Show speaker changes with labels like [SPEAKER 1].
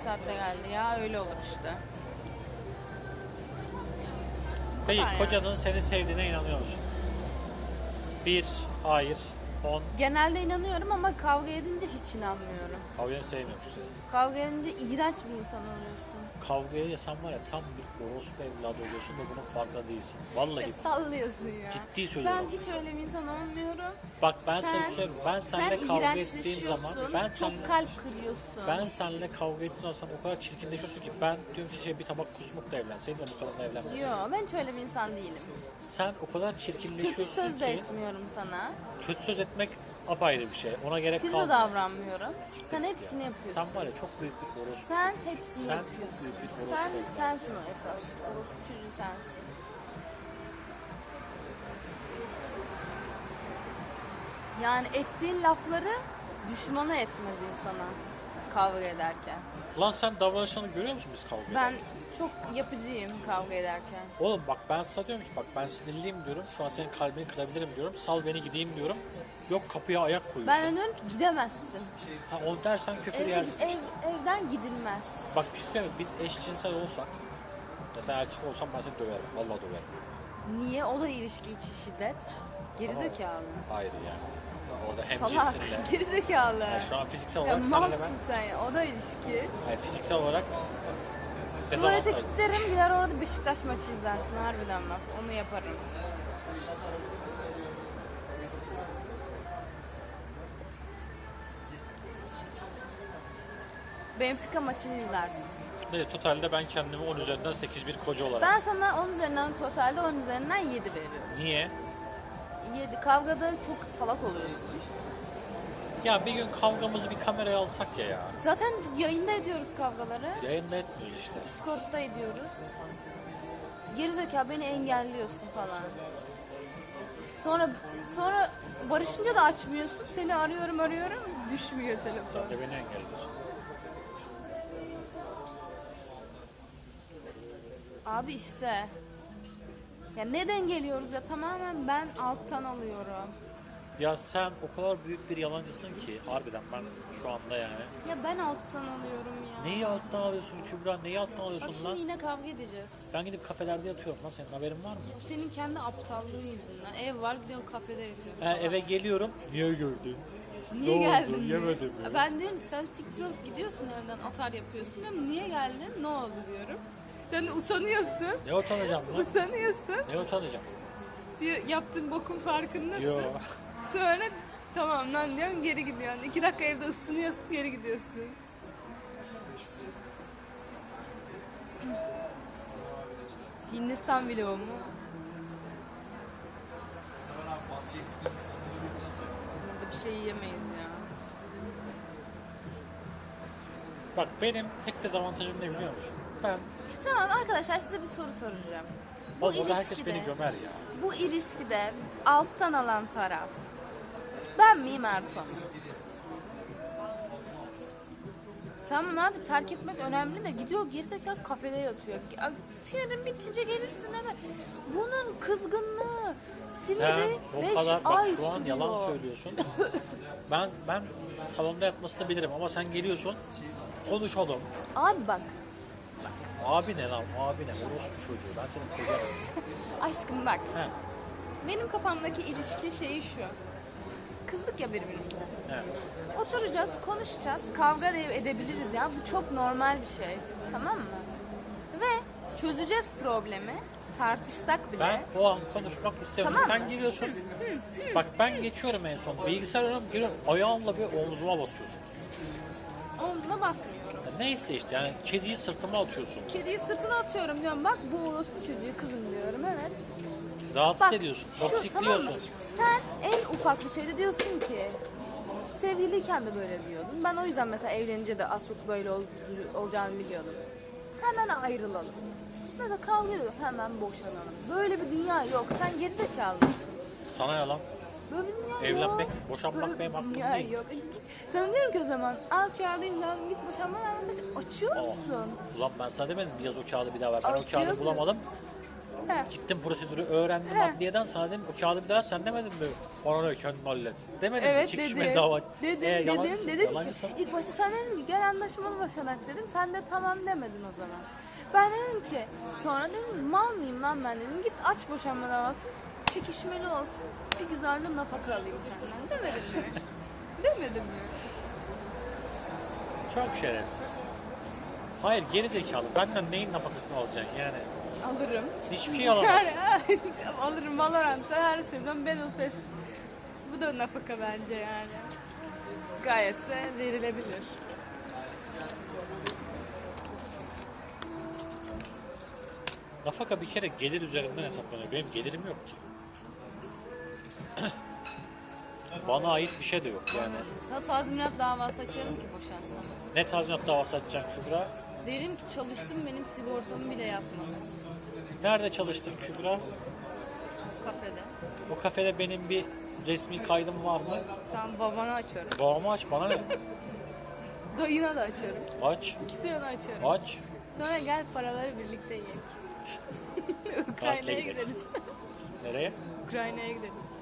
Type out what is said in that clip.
[SPEAKER 1] saatte geldi ya, öyle olur işte.
[SPEAKER 2] Peki
[SPEAKER 1] kadar
[SPEAKER 2] kocanın seni sevdiğine inanıyor musun? 1, hayır, 10,
[SPEAKER 1] Genelde inanıyorum ama kavga edince hiç inanmıyorum.
[SPEAKER 2] kavganı sevmiyorum seni.
[SPEAKER 1] Kavga edince iğrenç bir insan oluyorsun.
[SPEAKER 2] Kavgaya sen var ya tam bir orospu evladı oluyorsun ve bunun farkında değilsin. Vallahi
[SPEAKER 1] Sallıyorsun ya.
[SPEAKER 2] ciddi söylüyorum.
[SPEAKER 1] Ben hiç öyle bir insan olmuyorum.
[SPEAKER 2] Bak ben sana söyleyeyim. Ben seninle kavga ettiğim zaman
[SPEAKER 1] çok kalp kırıyorsun.
[SPEAKER 2] ben seninle kavga ettiğim zaman o kadar çirkinleşiyorsun ki ben diyorum ki bir tabak kusmukla evlenseydin de bu kadınla evlenmeseydin.
[SPEAKER 1] Yok, ben hiç öyle bir insan değilim.
[SPEAKER 2] Sen o kadar
[SPEAKER 1] Hiç
[SPEAKER 2] çirkinleşiyorsun
[SPEAKER 1] kötü söz de
[SPEAKER 2] ki
[SPEAKER 1] etmiyorum sana.
[SPEAKER 2] kötü söz etmek apayrı bir şey. Ona gerek
[SPEAKER 1] Kötü
[SPEAKER 2] kalmıyor.
[SPEAKER 1] davranmıyorum. Sen hepsini yapıyorsun.
[SPEAKER 2] Sen var ya çok büyük bir orospu.
[SPEAKER 1] Sen hepsini
[SPEAKER 2] Sen
[SPEAKER 1] yapıyorsun.
[SPEAKER 2] çok büyük bir orospu.
[SPEAKER 1] Sensin o esas. Orospu çocuğu sensin. Yani ettiğin lafları düşmanı etmez insana kavga ederken.
[SPEAKER 2] Lan sen davranışlarını görüyor musun biz kavga
[SPEAKER 1] Ben
[SPEAKER 2] ederken?
[SPEAKER 1] çok yapıcıyım kavga ederken.
[SPEAKER 2] Oğlum bak ben sana diyorum ki bak ben sinirliyim diyorum. Şu an senin kalbini kırabilirim diyorum. Sal beni gideyim diyorum. Yok kapıya ayak koyuyorsun.
[SPEAKER 1] Ben diyorum ki gidemezsin.
[SPEAKER 2] Ha, o dersen küfür yersin.
[SPEAKER 1] Evden gidilmez.
[SPEAKER 2] Bak bir şey söyleyeyim mi? Biz eşcinsel olsak mesela erkek olsam ben seni döverim. Vallahi döverim.
[SPEAKER 1] Niye? O da ilişki içi şiddet. Gerizekalı.
[SPEAKER 2] Hayır yani. Orada hem
[SPEAKER 1] Salak.
[SPEAKER 2] cinsinle.
[SPEAKER 1] Gerizekalı.
[SPEAKER 2] Yani şu an fiziksel
[SPEAKER 1] Ya
[SPEAKER 2] olarak senle
[SPEAKER 1] malsın
[SPEAKER 2] ben.
[SPEAKER 1] sen ya. O da ilişki.
[SPEAKER 2] Yani fiziksel olarak
[SPEAKER 1] Tuvalete
[SPEAKER 2] dezavantajlı.
[SPEAKER 1] kilitlerim, gider orada Beşiktaş maçı izlersin harbiden bak. Onu yaparım. Benfica maçını izlersin.
[SPEAKER 2] Evet, totalde ben kendimi 10 üzerinden 8 bir koca olarak.
[SPEAKER 1] Ben sana 10 üzerinden totalde 10 üzerinden 7 veriyorum.
[SPEAKER 2] Niye?
[SPEAKER 1] 7. Kavgada çok salak oluyorsun.
[SPEAKER 2] Ya bir gün kavgamızı bir kameraya alsak ya.
[SPEAKER 1] Zaten yayında ediyoruz kavgaları.
[SPEAKER 2] Yayında etmiyoruz işte.
[SPEAKER 1] Discord'da ediyoruz. Gerizekalı beni engelliyorsun falan. Sonra barışınca da açmıyorsun. Seni arıyorum düşmüyor telefon.
[SPEAKER 2] Sen de beni engelliyorsun.
[SPEAKER 1] Abi işte. Ya neden geliyoruz ya, tamamen ben alttan alıyorum.
[SPEAKER 2] Ya sen o kadar büyük bir yalancısın ki harbiden ben şu anda yani.
[SPEAKER 1] Ya ben alttan alıyorum ya.
[SPEAKER 2] Neyi alttan alıyorsun Kübra? Neyi alttan
[SPEAKER 1] Bak
[SPEAKER 2] alıyorsun
[SPEAKER 1] şimdi
[SPEAKER 2] lan?
[SPEAKER 1] yine kavga edeceğiz.
[SPEAKER 2] Ben gidip kafelerde yatıyorum lan, senin haberin var mı?
[SPEAKER 1] Bu senin kendi aptallığın yüzünden. Ev var, gidiyorsun kafede yatıyorsun.
[SPEAKER 2] Eve geliyorum. Niye gördün?
[SPEAKER 1] Niye
[SPEAKER 2] Ne
[SPEAKER 1] geldin?
[SPEAKER 2] oldu? Yemedim ya.
[SPEAKER 1] Ben diyorum ki sen siktir olup gidiyorsun evden, atar yapıyorsun. Diyorum niye geldin? Ne oldu diyorum. Sen de utanıyorsun.
[SPEAKER 2] Ne utanacağım lan?
[SPEAKER 1] Utanıyorsun.
[SPEAKER 2] Ne utanacağım?
[SPEAKER 1] Diyor, yaptığın bokun farkındasın.
[SPEAKER 2] Yo.
[SPEAKER 1] Sonra tamam lan diyorum, geri gidiyorsun. 2 dakika evde ısınıyorsun, geri gidiyorsun. Hindistan vlogu mu? Burada bir şey yiyemeyiz ya.
[SPEAKER 2] Bak benim tek dezavantajım ne biliyor musun? Ben
[SPEAKER 1] Tamam arkadaşlar, size bir soru soracağım.
[SPEAKER 2] orada herkes beni gömer ya.
[SPEAKER 1] Bu ilişkide alttan alan taraf ben miyim, Ertuğ? Tamam abi, terk etmek önemli de gidiyor gerizekalı kafede yatıyor. Sinirin bitince gelirsin eve. Bunun kızgınlığı,
[SPEAKER 2] Sen
[SPEAKER 1] siniri
[SPEAKER 2] o
[SPEAKER 1] 5
[SPEAKER 2] kadar bak
[SPEAKER 1] ay
[SPEAKER 2] şu an
[SPEAKER 1] sürüyor.
[SPEAKER 2] yalan söylüyorsun. ben salonda yatmasını bilirim ama sen geliyorsun konuşalım.
[SPEAKER 1] Abi bak,
[SPEAKER 2] Abi ne lan? Abi ne? Orospu çocuğu. Ben senin kocanım.
[SPEAKER 1] aşkım bak.
[SPEAKER 2] He.
[SPEAKER 1] Benim kafamdaki ilişki şeyi şu. Kızdık ya birbirimize.
[SPEAKER 2] He.
[SPEAKER 1] Oturacağız, konuşacağız, kavga da edebiliriz ya. Bu çok normal bir şey. Tamam mı? Ve çözeceğiz problemi. Tartışsak bile.
[SPEAKER 2] Ben o an konuşmak istemiyorum.
[SPEAKER 1] Tamam.
[SPEAKER 2] Sen geliyorsun. Bak ben geçiyorum en son. Bilgisayar önüme geliyorum. Ayağımla bir omzuma basıyorsun.
[SPEAKER 1] Omzuna basmıyorum.
[SPEAKER 2] Ya neyse işte yani kediyi sırtıma atıyorsun.
[SPEAKER 1] Kediyi sırtına atıyorum diyorum. Bak bu orospu çocuğu kızım diyorum. Evet.
[SPEAKER 2] Rahatsız
[SPEAKER 1] Bak
[SPEAKER 2] ediyorsun.
[SPEAKER 1] şu, tamam mı?
[SPEAKER 2] Toksikliyorsun.
[SPEAKER 1] Sen en ufak bir şeyde diyorsun ki sevgiliyken de böyle diyordun. Ben o yüzden mesela evlenince de az çok böyle olacağını biliyordum. Hemen ayrılalım. Mesela kavga ediyor, hemen boşanalım. Böyle bir dünya yok. Sen gerizekalısın.
[SPEAKER 2] Sana yalan.
[SPEAKER 1] Böyle bir dünya
[SPEAKER 2] Evlenmek,
[SPEAKER 1] yok.
[SPEAKER 2] boşanmak
[SPEAKER 1] Böyle
[SPEAKER 2] benim
[SPEAKER 1] bir
[SPEAKER 2] hakkım
[SPEAKER 1] dünya
[SPEAKER 2] değil.
[SPEAKER 1] yok. Sana diyorum ki o zaman al kağıdını lan, git boşanma lan. Açıyor musun?
[SPEAKER 2] Ulan ben sana demedim mi yaz o kağıdı bir daha ver. Ben o
[SPEAKER 1] Açıyor
[SPEAKER 2] kağıdı
[SPEAKER 1] musun?
[SPEAKER 2] bulamadım.
[SPEAKER 1] He.
[SPEAKER 2] Gittim prosedürü öğrendim
[SPEAKER 1] He.
[SPEAKER 2] adliyeden, sana dedim o kağıdı bir daha sen demedin mi? Bana ne kendin hallet. Demedin mi?
[SPEAKER 1] Evet
[SPEAKER 2] Çekişmeli
[SPEAKER 1] dedim.
[SPEAKER 2] dava.
[SPEAKER 1] Dedim ki
[SPEAKER 2] Yalancısın.
[SPEAKER 1] ilk başta sen dedin ki gel anlaşmalı boşanak dedim. Sen de tamam demedin o zaman. Ben dedim ki sonra dedim mal mıyım lan ben dedim. Git aç boşanma davası. Çekişmeli olsun. Bir güzel de nafaka alayım senden. Demedim mi? Demedim mi?
[SPEAKER 2] Çok şerefsiz. Hayır geri zekalı. Benden neyin nafakasını alacaksın yani?
[SPEAKER 1] Alırım.
[SPEAKER 2] Hiçbir şey alamazsın.
[SPEAKER 1] Alırım Valorant'ta her sezon Battle Pass. Bu da nafaka bence yani. Gayet de verilebilir.
[SPEAKER 2] Nafaka bir kere gelir üzerinden hesaplanıyor. Benim gelirim yok ki. Bana ait bir şey de yok yani.
[SPEAKER 1] Sana tazminat davası açarım ki boşansam.
[SPEAKER 2] Ne tazminat davası açacaksın Kübra?
[SPEAKER 1] Derim ki çalıştım benim sigortamı bile yapmadın.
[SPEAKER 2] Nerede çalıştın Kübra?
[SPEAKER 1] Kafede.
[SPEAKER 2] O kafede benim bir resmi kaydım var mı?
[SPEAKER 1] Tamam babana açarım.
[SPEAKER 2] Babamı aç, bana ne?
[SPEAKER 1] Dayına da açarım.
[SPEAKER 2] Aç,
[SPEAKER 1] İkisine de açarım.
[SPEAKER 2] aç.
[SPEAKER 1] Sonra gel paraları birlikte yiyek.
[SPEAKER 2] Tatile
[SPEAKER 1] Ukrayna'ya
[SPEAKER 2] gidelim.
[SPEAKER 1] gideriz.
[SPEAKER 2] Nereye?
[SPEAKER 1] Ukrayna'ya gidelim.